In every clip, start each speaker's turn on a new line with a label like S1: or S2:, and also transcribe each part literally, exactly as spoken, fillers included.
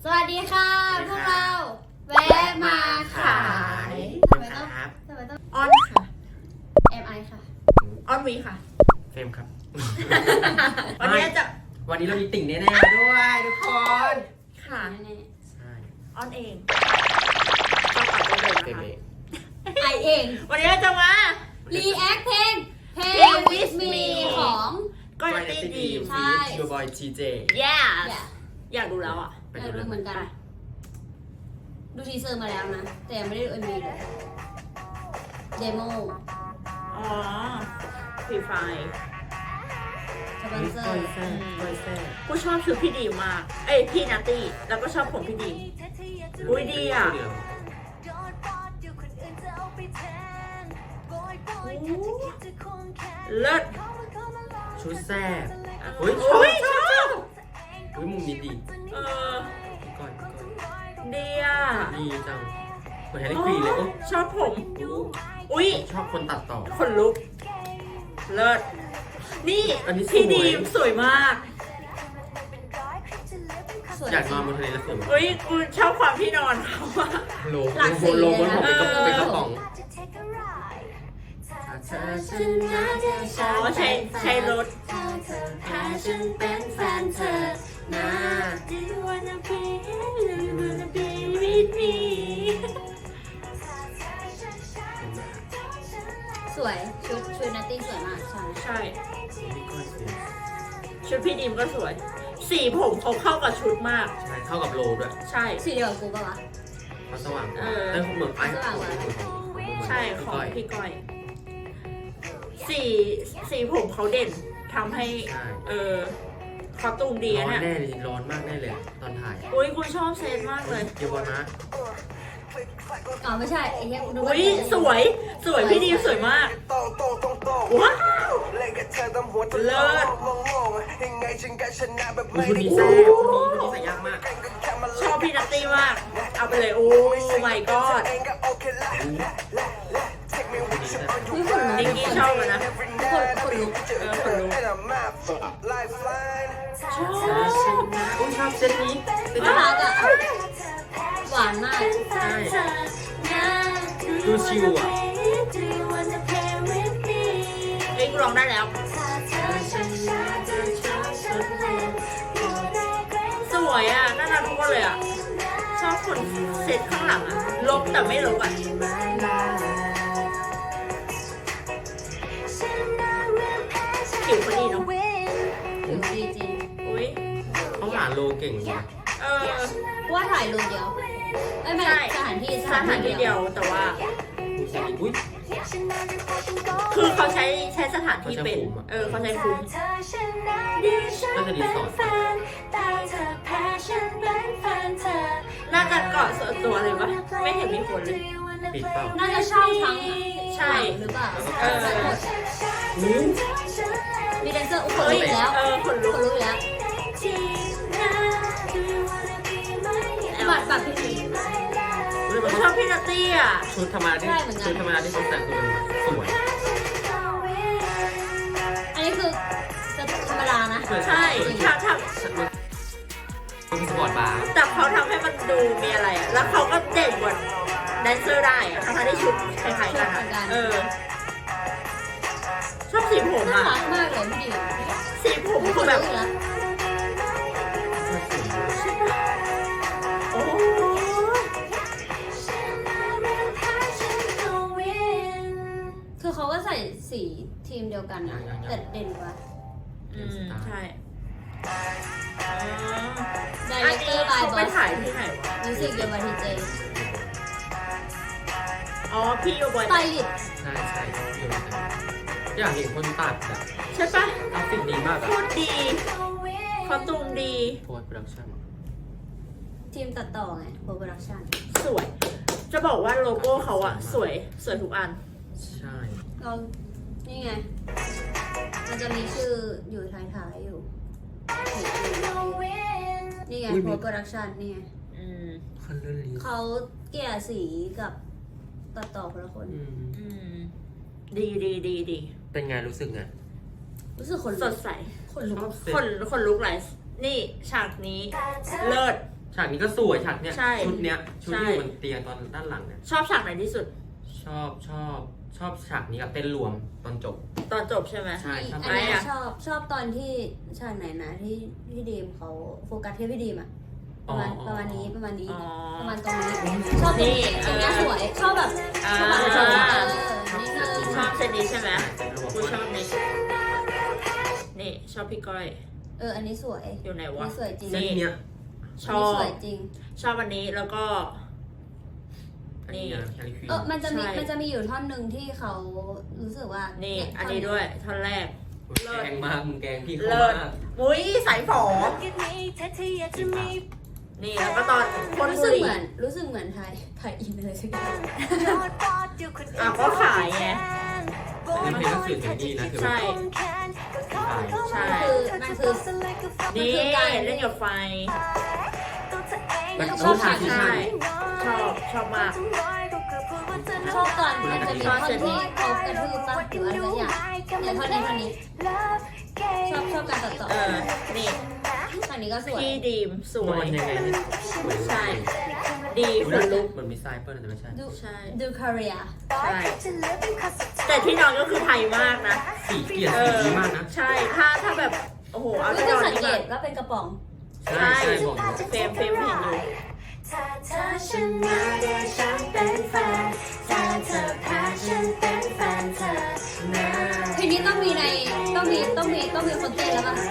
S1: สวัสดีค่ะพวกเราแวะมาขายทำไมต้องทำไมต้อง
S2: ออนค่ะ
S1: เอ็มไอค่ะ
S2: ออนวีค่ะ
S3: เฟรมครับ
S2: วันนี้จะ
S3: วันนี้เรามีติ่งแน่ๆด้วยทุกคน
S2: ค่ะ
S1: แน่
S3: ใช่
S2: ออนเองก็ปัดไปเลย
S3: เฟรม
S2: นะ
S3: เอ
S2: คะ
S3: ง
S1: ๆไอเอง
S2: วันนี้เราจะมา
S1: รีแอคเพลง Play
S2: Play
S1: with
S2: with
S1: me
S2: me
S1: ของ
S2: ก็จะตีดี
S1: ใช่
S3: ยูบอยทีเจ
S2: yes
S1: อย่า
S2: อยากดูแล้วอ่ะ
S3: ไป
S1: อยาก
S3: ดู
S1: ดู
S3: เลย
S1: เหมือนกัน ดูทีเซอร์มาแล้วนะ แต่ยังไม่ได้ดูเอ็มวีเลยเดโม
S2: อ๋อฟรีไฟ
S1: สปอนเซอ
S3: ก้อย
S1: ร์
S3: แซ่ก้อยแซ่
S2: กูชอบชุดพี่ดีมาก เอ้ยพี่นาตี้แล้วก็ชอบผมพี่ดี อุ๊ยดีอะ เลิศ
S3: ชุดแซ่บ
S2: อุ้
S3: อุ้
S2: ย
S3: ย
S2: ช
S3: ช
S2: อ
S3: อ
S2: บบ ชอบ
S3: อุ้ยมุมนี้ดี
S2: เออ
S3: ก่อนก่อน
S2: ดีอ่ะ
S3: ดีจังเหมือนแฮร์รี่ควีนเลยโอ้
S2: ชอบผม อุ้ย
S3: ชอบคนตัดต่อ
S2: คนลุก เลิศ นี่
S3: อันนี้สวย
S2: พี่ดีมสวยมาก
S1: สวย
S3: อยากนอนบนทะเลแล้วสวยมาก
S2: อุ้ยกูชอบความที่นอนเขาอะ
S3: โล
S1: หลากสี
S3: โลบนผม
S1: เลยนะ
S3: เป็นกระเป็นกระป๋อง
S2: อ๋อใช้ใช้รถ
S1: พาฉันเป็นแฟนเธอนะ
S2: Do you wanna be Do you wanna be with me
S1: สวยชุดชุดนัตตี้สวยมากใช่
S2: ใช่
S3: นี่ก้อยสวย
S2: ชุดพี่ดีมก็สวย สีผมเขาเข้ากับชุดมาก
S3: ใช่เท่ากับโลด้วย
S2: ใช่
S1: สีเดียวกับกูปะวะ
S3: มันสว่างกว่า
S2: เออ
S3: แต่เหมือนไอ้
S1: สว่างกว่า
S2: ใช่ของพี่ก้อย สีสีผมเขาเด่นทำให้
S3: ใช่
S2: เออคอตูมดี
S3: ร้
S2: อะ
S3: อน
S2: เนี่ย
S3: แน่เลยร้อนมากแน่เลยตอนถ่าย
S2: อุ้ยกูชอบเซตมากเลย
S3: เดี๋ยวบอลนะ
S1: อ๋อไม่ใช่ไอ้เหี้ยดู
S2: อุ้ยสวยสวยพี่ดีมสวยมาก ว้าว เลิศ
S3: อุ้ยชุดนี้แซ่บชุดนี้ชุดนี้ใส่ยากมาก
S2: ชอบพี่นัตตี้มาก เอาไปเลย โอ้ my god
S1: อุ้ยคนลุก
S2: นิกกี้ชอบอะนะ
S1: คนคนลุก
S2: เออคนลุก ชอบ
S3: อุ้ยชอบเซตนี้เซต
S1: น่า
S3: นี้
S1: รักอ่ะหวานมาก
S3: ใช่ดูชิวอ่ะ
S2: เอ้ยกูร้องได้แล้ว สวยอ่ะ น่ารักทุกคนเลยอ่ะ ชอบคนเซตข้างหลังอ่ะ ลบแต่ไม่ลบอ่ะ ผิวเขาดีเนาะ
S1: ผิวดีจริง
S2: อุ้ย
S3: เขาหาโลเก่งนะ
S2: เออ
S1: ว่าถ่ายรูปเดียวเอ้ยไม่
S2: ใช่
S1: สถานที่
S2: สถานที่เดียวแต่ว่า
S3: ดูสิอุ้ย
S2: คือเขาใช้ใช้สถานที่เป็น เออเขาใช้คุ้ม
S3: น่าจะดีสอด
S2: น่าจะเกาะส่วนตัวเลยปะไม่เห็นมีคนเลย
S3: ปิดเปล่า
S1: น่าจะเช่าทั้ง
S2: ใช่
S1: หรือเปล่า
S2: เออ
S3: อู้
S1: มีแดนเซอร์อุ้ยคน
S2: เฮ้
S1: ลุ
S2: ย
S1: กอีกแล้ว
S2: เออคน
S1: ค
S2: ลุก
S1: นลุกอีกแล้วบัตรบัตรพี่ดี
S3: เฮ้ยมัน
S2: ชอบพี่นัตตี้อ่ะ
S3: ชุดธรรมดาที่
S1: ใช่เหมือนกัน
S3: ชุดธรรมดาที่เขาแต่งคือมันสวย
S1: อันนี้คือธรรมดานะ
S2: ใช่ทำท
S3: มันคือสปอร์ตบาร์
S2: ำแต่เขาทำให้มันดูมีอะไรอ่ะ แล้วเขาก็เด่นกว่าแดนเซอร์ได้อ่ะทั้งๆที่ชุดคล้ายๆกันอะเออ ชอบสีผม
S1: น่า
S2: อ่ะ
S1: รักมากเลยพี่ดิว
S2: สีผม
S1: ค
S2: คือน แบ
S1: ลุ
S2: บ
S1: กอีกแล้ว
S2: โอ้
S1: คือเขาก็ใส่สีทีมเดียวกันนะแต่เด่นกว่า
S2: อืมใช่
S1: ได
S2: อั
S1: เร
S2: น
S1: คเต
S2: นี้
S1: อร์บาย
S2: เขา
S1: บอ
S2: ไป
S1: ส
S2: ถ่ายที่ไหนวะ
S1: มิวสิกเดียวกับทีเจ
S2: อ๋อ พี่โยบอย
S1: สไตลิสต์
S3: ใช่ใช่อยู่ในนั้นอยากเห็นคนตัดอะ
S2: ใช่ปะ
S3: กราฟิกดีมากอะ
S2: พูดดีคอตูมดี
S3: โพสต์โปรดักชั่น
S1: ทีมตัดต่อไงโปรโปรดักชั่น
S2: สวย จะบอกว่าโลโก้เขาอะสวย สวยทุกอัน
S3: ใช่
S1: เรานี่ไง มันจะมีชื่ออยู่ท้ายๆอยู่ นี่ไงโปรโปรดักชั่นนี่ไง
S2: อืม
S3: คันเลอร์ลี
S1: เขาเกลี่ยสีกับตัดต่อคนละคน
S3: อืม
S2: อืม ดีดีดีดี
S3: เป็นไงรู้สึกไง
S1: รู้สึกคน
S2: ส
S1: ลุก
S2: ดใส
S1: คนลุก
S3: ชอบเซ็ต
S2: คนคนลุกไหลนี่ฉากนี้ เลิศ
S4: ฉากนี้ก็สวยฉากเนี้ย
S2: ใช่
S4: ชุดเนี้ยชุด
S2: ใช่
S4: ที่อยู่บนเตียงตอนด้านหลังเนี่ย
S2: ชอบฉากไหนที่สุด
S4: ชอบชอบชอบฉากนี้กับเต้นรวมตอนจบ
S2: ตอนจบใช่ไหม
S4: ใช่ชอบ
S1: อันนี้
S2: ไหนอะ
S1: ชอบชอบตอนที่ฉากไหนนะที่พี่ดีมเขาโฟกัสที่พี่ดีมอะประมาณประมาณนี้ประมาณนี้
S2: อ๋อ
S1: ประมาณตรงนี้ชอบตรงนี้ตรงเนี้ยสวยชอบแบบ
S2: อ่า
S1: ชอบแบบชอบแบบเออนิดนึง
S2: ชอบเซนนี้ใช่ไหม
S4: เต้นรวม
S2: กูชอบนี่นี่ชอบพี่ก้อย
S1: เอออันนี้สวย
S2: อยู่ไหน
S1: อัน
S2: วะ
S1: นี้สวยจริง
S4: เส้นเนี้ย
S2: ช
S1: อัน
S2: อ
S1: นี้
S2: บ
S1: สวยจริง
S2: ชอบอันนี้แล้วก็
S4: อันนี้นะแคลิควีน
S1: เออมันจะมี
S2: ใช่
S1: มันจะมีอยู่ท่อนหนึ่งที่เขารู้สึกว่า
S2: นี่
S1: เย
S2: อันนี้ด้วยท่อนแรก
S4: แกงมากมึงแกงพี่เขา
S2: เลิศ
S4: มาก
S2: มุ้ยสายฝอนี่แล้วก็ตอนคน
S1: รู้
S2: บุ
S1: สึก
S2: หรี่
S1: เหมือนรู้สึกเหมือนไทยไทยอินอะไรสักอย่าง
S2: อ่ะก็ขายไง
S4: อันนี้เพลงก็สื่อถึงดีนะคือ
S2: ใช่
S4: ขาย
S2: ใช่
S1: คือมันคือ
S2: นี่
S1: คือการ
S2: เล่นกับไฟ
S4: มัน
S1: ชอบฉาก
S4: ที่
S2: ใช่
S4: ใช่
S2: ชอบชอบมาก
S1: ชอบตอนมันจะมีท่อนที่เขากระทืบปะหรืออะไรสักอย่างเนี่ยท่อนนี้ท่อนนี้ชอบชอบการตัดต่อ
S2: เออ นี่
S1: ท่อนนี้ก็สวย
S2: พี่ดีมสว
S4: มัน
S2: ย
S4: ยังไงเนี่ยสวย
S2: ใช่ ดี
S4: ดู
S2: ค
S4: แล้
S2: น
S4: ว
S2: ลุก
S4: เหมือนมีทรายเปิ้ลแต่ไม่ใช่
S1: ดู
S2: ใช่
S1: ดูคาเรีย
S2: ใช่ แต่ที่นอนก็คือไทยมากนะ
S4: สีเกลียด
S2: เอ
S4: สี
S2: อ
S4: ดีมากนะ
S2: ใช่ ถ้าถ้าแบบ โอ้โห เอา
S1: ไม่
S2: ที่น
S1: ต้อ
S2: อง น
S1: สัง
S2: นี่
S1: เก
S2: แบ
S1: ต
S2: บ
S1: ว่าเป็นกระป๋อง
S4: ใช่ใช่บอกเลย
S2: เฟรมเฟรมเห็นอยู่
S5: ถ้าเธอชนะเดี๋ยวฉันเป็นแฟนถ้าเธอแพ้ฉันเป็นแฟนเธอนะ
S1: เพลงนี้ต้องมีในต้องมีต้องมีต้องมีคนเต้นแล้วป่ะ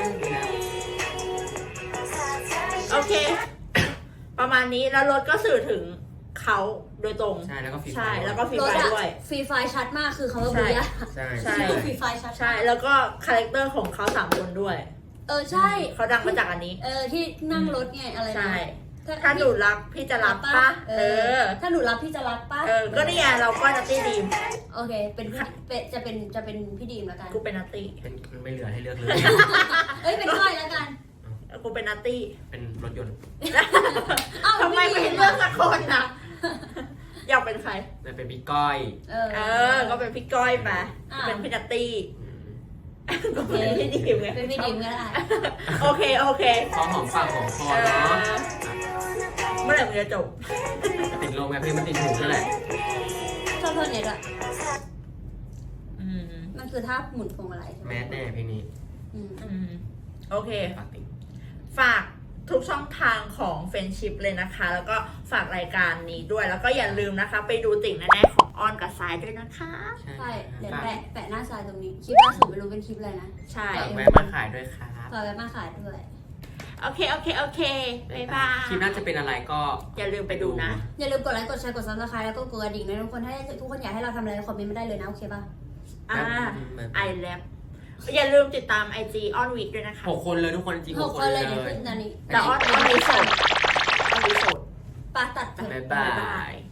S2: โอเค ประมาณนี้ แล้วรถก็สื่อถึงเขาโดยตรง
S4: ใช่แล้วก็ฟี
S2: ใช่ แล้วก็ฟรี
S1: รถ
S2: ไฟ
S1: อะ
S2: ด้วย
S1: ฟรีไฟชัดมากคือเขาว่าบุยะ
S4: ใช่
S2: ใช่
S1: ฟรีไฟชัด
S2: ใช่ แล้วก็คาแรคเตอร์ของเขาสามคนด้วย
S1: เออใช่
S2: เขาดังมาจากอันนี้
S1: เออที่นั่งรถไงอะไร
S2: ใช่
S1: นะ
S2: ถ้าหนูรักพี่จะรับปะ
S1: เอ
S2: เอ
S1: อ
S2: อ
S1: ถ้าหนูรับพี่จะรักปะ
S2: เออ ก็นี่ไงเราก็นัตตี้ดีม
S1: โอเคเป็นพี่เป็นจะเป็นจะเป็นพี่ดีมแล้วกัน
S2: กูเป็นนัตตี้
S4: เป็นมันไม่เหลือให้เลือกเลย
S1: เอ้ยเป็นก้อยแล้วกัน
S2: กูเป็นนัตตี้
S4: เป็นรถยนต์
S1: อ้าว
S2: ทำไมไม่เลือกสักคนนะอยากเป็นใคร
S4: มันเป็นพี่ก้อย
S1: เออ
S2: เออ ก็เป็นพี่ก้อยไป
S1: อ่ะ
S2: เป็นพี่นัตตี้
S4: อืม
S2: ก็เป็นพี่ดีมไง
S1: เป็นพี่ดีมก็ได้
S2: โอเค โอเค
S4: พอหอมปากหอมคอ
S2: เอ
S4: เนาะ
S2: อ เมื่อไหร่มันจะจบ
S4: ติดลมไงเพลงมันติดหูนั่นแหละ
S1: ชอบท่อนเนี้ยด้วย
S2: อืม
S1: มันคือท่าหมุนพวงมาลัยใช่ไหม
S4: แมสแน่เพลงนี้
S1: อืม
S2: อืม โอเค
S4: ปากติด
S2: ฝากทุกช่องทางของเฟนชิพเลยนะคะ แล้วก็ฝากรายการนี้ด้วย แล้วก็อย่าลืมนะคะ ไปดูติ่งแน่ๆของออนกับสายด้วยนะคะ
S1: ใช่เดี๋ยว
S4: ฝาก
S1: แปะแปะหน้าทรายตรงนี้ คลิปล่าสุดไม่รู้เป็นคลิปอะไรนะ
S2: ใช่
S4: ฝากแวะมาขายด้วยครับ
S1: ฝากไว้มาขายด้วย
S2: โอเค โอเค โอเค บ๊ายบาย
S4: คลิปน่าจะเป็นอะไรก็
S2: อย่าลืมไปดูนะ
S1: อย่าลืมกดไลค์กดแชร์กดซับสไครต์แล้วก็กดกระดิ่งนะทุกคนถ้าทุกคนอยากให้เราทำอะไรคอมเมนต์มาได้เลยนะโอเคป่ะ
S2: อ่า
S4: อืม
S2: ไอแลบอย่าลืมติดตาม ไอ จี ออนวีคด้วยนะคะ
S4: หกคนเลยทุกคนจริง
S1: ห
S4: ห
S1: ก
S4: ก
S1: ค
S4: คน น
S1: เล
S4: เลย ย
S1: เดี๋ยวขึ้นอันนี้
S2: แต่ออนออนวีโสดออนวีโสด
S1: ปาตัดเถอะ
S4: บ๊าย
S2: บ๊า
S4: บาย
S2: บาย ย